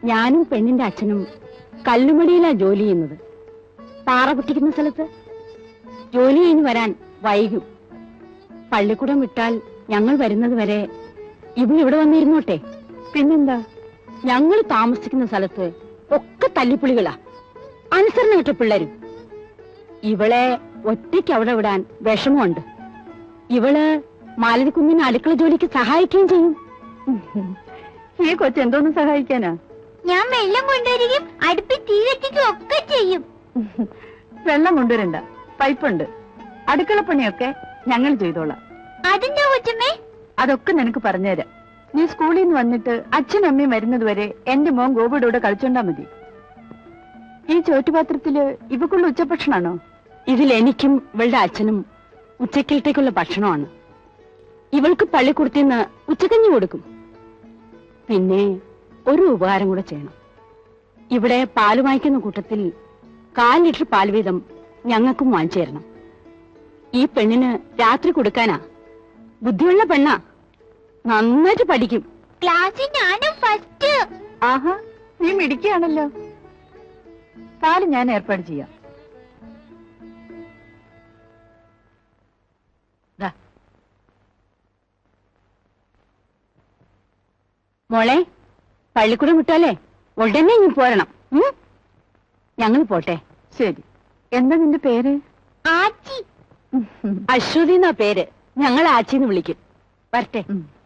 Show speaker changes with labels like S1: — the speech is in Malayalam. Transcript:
S1: ഞാനും പെണ്ണിന്റെ അച്ഛനും കല്ലുമടിയിലാ ജോലി ചെയ്യുന്നത്. പാറ പൊട്ടിക്കുന്ന സ്ഥലത്ത്. ജോലി കഴിഞ്ഞ് വരാൻ വൈകും. പള്ളിക്കൂടം വിട്ടാൽ ഞങ്ങൾ വരുന്നത് വരെ ഇവിടെ വന്നിരുന്നോട്ടെ. പിന്നെന്താ, ഞങ്ങൾ താമസിക്കുന്ന സ്ഥലത്ത് ഒക്കെ തല്ലിപ്പുളികളാ, അനുസരണ കേട്ട പിള്ളേരും. ഇവളെ ഒറ്റയ്ക്ക് അവിടെ വിടാൻ വിഷമമുണ്ട്. ഇവള് മാലതിക്കുഞ്ഞിന് അടുക്കള ജോലിക്ക് സഹായിക്കുകയും ചെയ്യും. ഈ കൊച്ചെന്തോന്ന് സഹായിക്കാനാ?
S2: ഞാൻ വെള്ളം കൊണ്ടുവരികയും അടുപ്പിൽ തീ കത്തിക്കുകയും ഒക്കെ ചെയ്യും.
S1: വെള്ളം കൊണ്ടുവരണ്ട, പൈപ്പുണ്ട്. അടുക്കളപ്പണിയൊക്കെ ഞങ്ങൾ ചെയ്തോളാം.
S2: അതെന്താ കൊച്ചമ്മേ?
S1: അതൊക്കെ നിനക്ക് പറഞ്ഞുതരാം. നീ സ്കൂളിൽ നിന്ന് വന്നിട്ട് അച്ഛനും അമ്മയും വരുന്നത് വരെ എന്റെ മോൻ ഗോപിയുടെ കളിച്ചോണ്ടാ മതി. ഈ ചോറ്റുപാത്രത്തില് ഇവക്കുള്ള ഉച്ചഭക്ഷണാണോ? ഇതിൽ എനിക്കും ഇവളുടെ അച്ഛനും ഉച്ചക്കലത്തേക്കുള്ള ഭക്ഷണമാണ്. ഇവൾക്ക് പള്ളിക്കൂടത്തിന്ന് ഉച്ചക്കഞ്ഞി കൊടുക്കും. പിന്നെ ഒരു ഉപകാരം കൂടെ ചെയ്യണം. ഇവിടെ പാല് വാങ്ങിക്കുന്ന കൂട്ടത്തിൽ 1/4 ലിറ്റർ പാൽ വീതം ഞങ്ങൾക്കും വാങ്ങിച്ചു തരണം. ഈ പെണ്ണിന് രാത്രി കൊടുക്കാനാ. ബുദ്ധിയുള്ള പെണ്ണാ, നന്നായിട്ട് പഠിക്കും.
S2: ക്ലാസ്സിൽ ഞാനും ഫസ്റ്റ്.
S1: ആഹാ, നീ മിടിക്കുകയാണല്ലോ. പാല് ഞാൻ ഏർപ്പാട് ചെയ്യാം. മോളെ, പള്ളിക്കൂടം വിട്ടാലേ ഉടനെ നീ പോരണം. ഞങ്ങൾ പോട്ടെ. ശരി. എന്താ നിന്റെ പേര്?
S2: ആച്ചി.
S1: അശ്വതി എന്നാ പേര്. ഞങ്ങൾ ആച്ചിന്ന് വിളിക്കും. വരട്ടെ.